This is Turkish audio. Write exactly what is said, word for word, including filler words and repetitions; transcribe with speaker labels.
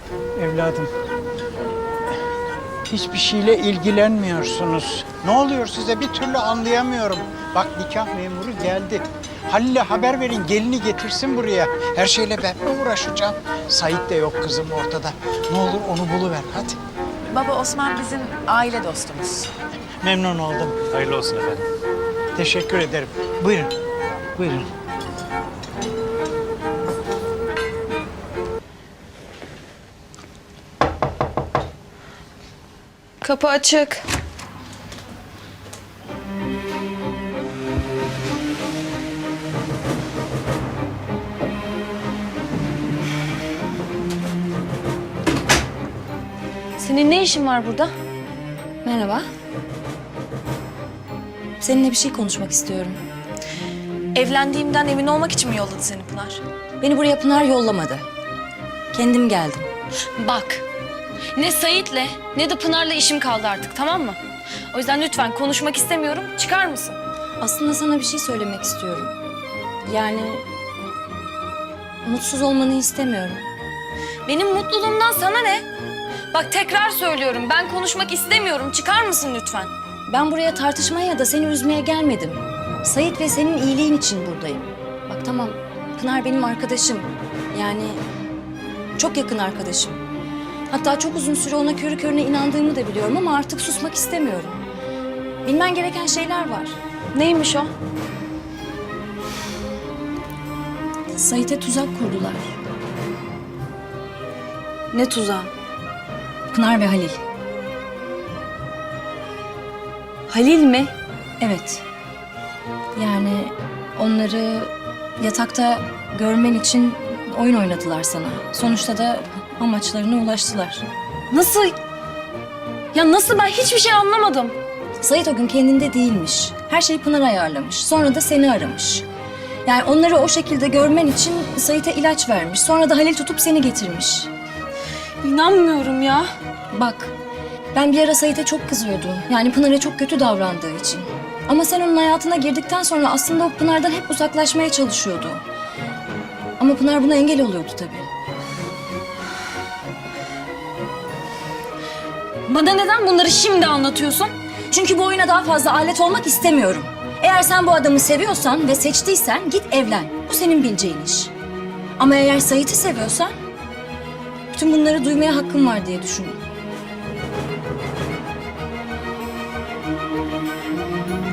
Speaker 1: Evladım, hiçbir şeyle ilgilenmiyorsunuz. Ne oluyor size bir türlü anlayamıyorum. Bak nikah memuru geldi. Halil'e haber verin, gelini getirsin buraya. Her şeyle ben mi uğraşacağım? Sait de yok kızım ortada. Ne olur onu buluver hadi.
Speaker 2: Baba Osman bizim aile dostumuz.
Speaker 1: Memnun oldum.
Speaker 3: Hayırlı olsun efendim.
Speaker 1: Teşekkür ederim. Buyurun, buyurun.
Speaker 4: Kapı açık. Senin ne işin var burada?
Speaker 5: Merhaba. Seninle bir şey konuşmak istiyorum.
Speaker 4: Evlendiğimden emin olmak için mi yolladı seni Pınar?
Speaker 5: Beni buraya Pınar yollamadı. Kendim geldim.
Speaker 4: Bak, ne Sait'le ne de Pınar'la işim kaldı artık, tamam mı? O yüzden lütfen konuşmak istemiyorum, çıkar mısın?
Speaker 5: Aslında sana bir şey söylemek istiyorum. Yani mutsuz olmanı istemiyorum.
Speaker 4: Benim mutluluğumdan sana ne? Bak tekrar söylüyorum, ben konuşmak istemiyorum, çıkar mısın lütfen?
Speaker 5: Ben buraya tartışmaya ya da seni üzmeye gelmedim. Sait ve senin iyiliğin için buradayım. Bak tamam, Pınar benim arkadaşım. Yani çok yakın arkadaşım. Hatta çok uzun süre ona körü körüne inandığımı da biliyorum ama artık susmak istemiyorum. Bilmen gereken şeyler var.
Speaker 4: Neymiş o?
Speaker 5: Sait'e tuzak kurdular.
Speaker 4: Ne tuzağı?
Speaker 5: Pınar ve Halil.
Speaker 4: Halil mi?
Speaker 5: Evet. Yani onları yatakta görmen için oyun oynadılar sana. Sonuçta da amaçlarına ulaştılar.
Speaker 4: Nasıl? Ya nasıl, ben hiçbir şey anlamadım.
Speaker 5: Sait o gün kendinde değilmiş. Her şeyi Pınar ayarlamış. Sonra da seni aramış. Yani onları o şekilde görmen için Sait'e ilaç vermiş. Sonra da Halil tutup seni getirmiş.
Speaker 4: İnanmıyorum ya.
Speaker 5: Bak, ben bir ara Sait'e çok kızıyordum. Yani Pınar'a çok kötü davrandığı için. Ama sen onun hayatına girdikten sonra aslında o Pınar'dan hep uzaklaşmaya çalışıyordu. Ama Pınar buna engel oluyordu tabii.
Speaker 4: Bana neden bunları şimdi anlatıyorsun?
Speaker 5: Çünkü bu oyuna daha fazla alet olmak istemiyorum. Eğer sen bu adamı seviyorsan ve seçtiysen git evlen. Bu senin bileceğin iş. Ama eğer Sait'i seviyorsan bütün bunları duymaya hakkım var diye düşündüm.